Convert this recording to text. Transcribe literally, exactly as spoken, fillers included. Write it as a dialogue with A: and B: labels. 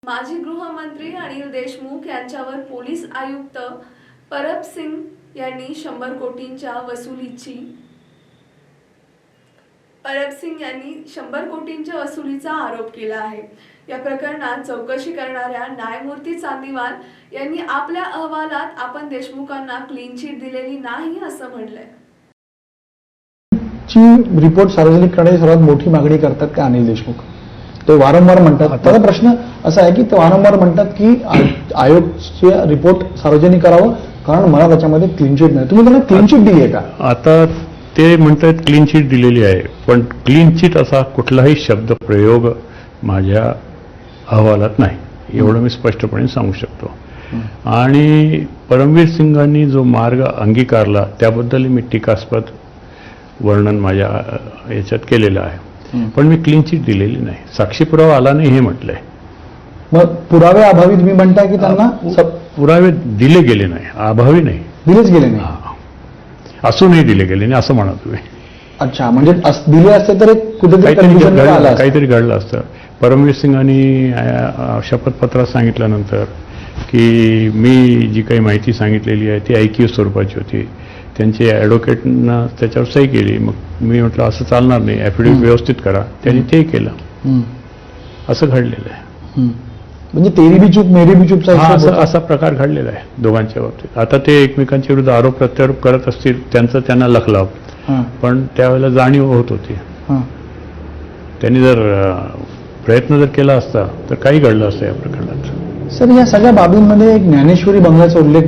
A: माजी गृहमंत्री अनिल देशमुख यांच्यावर पोलीस आयुक्त परब सिंग यांनी शंभर कोटींच्या वसुलीची परब सिंग यांनी शंभर कोटींच्या वसुलीचा आरोप केला आहे। या प्रकरणात चौकशी करणाऱ्या न्यायमूर्ती चांदीवाल यांनी आपल्या अहवालात आपण देशमुखांना क्लीन चिट दिलेली नाही असं म्हटलंय।
B: ची रिपोर्ट सार्वजनिक करण्याची सर्वात मोठी मागणी करतात ते अनिल देशमुख। ते वारंवार म्हणतात, आता प्रश्न असा आहे की ते वारंवार म्हणतात की आयोगचे रिपोर्ट सार्वजनिक करावं कारण मला त्याच्यामध्ये क्लीन चिट नाही। तुम्ही त्यांना क्लीन चिट दिली आहे का?
C: आता ते म्हणतात क्लीन चिट दिलेली आहे, पण क्लीन चिट असा कुठलाही शब्द प्रयोग माझ्या अहवालात नाही, एवढं मी स्पष्टपणे सांगू शकतो। आणि परमवीर सिंगांनी जो मार्ग अंगीकारला त्याबद्दल मी टीकास्पद वर्णन माझ्या याच्यात केलेलं आहे, पण मी क्लीन चिट दिलेली नाही। साक्षी पुरावा आला नाही हे म्हटलंय।
B: मग पुरावे अभावी तुम्ही म्हणताय की त्यांना
C: पुरावे दिले गेले नाही, अभावी नाही,
B: दिलेच गेले नाही,
C: असूनही दिले गेले नाही असं म्हणा तुम्ही।
B: अच्छा, म्हणजे दिले असते तर कुठेतरी
C: काहीतरी घडलं असतं। परमवीर सिंगांनी शपथपत्रात सांगितल्यानंतर की मी जी काही माहिती सांगितलेली आहे ती ऐकीव स्वरूपाची होती, त्यांचे ॲडव्होकेटनं त्याच्यावर सही केली। मग मी म्हटलं असं चालणार नाही, ॲफिडेव्हिट व्यवस्थित करा, त्यांनी ते केलं, असं घडलेलं आहे।
B: म्हणजे तेरी बी चूक मेरी बी चूक
C: असा प्रकार घडलेला आहे दोघांच्या बाबतीत। आता ते एकमेकांच्या विरुद्ध आरोप प्रत्यारोप करत असतील, त्यांचं त्यांना लखलाव, पण त्यावेळेला जाणीव होत होती। त्यांनी जर प्रयत्न जर केला असता तर काही घडलं असतं या प्रकरणात।
B: सर, या सगळ्या बाबींमध्ये एक ज्ञानेश्वरी बंगल्याचा उल्लेख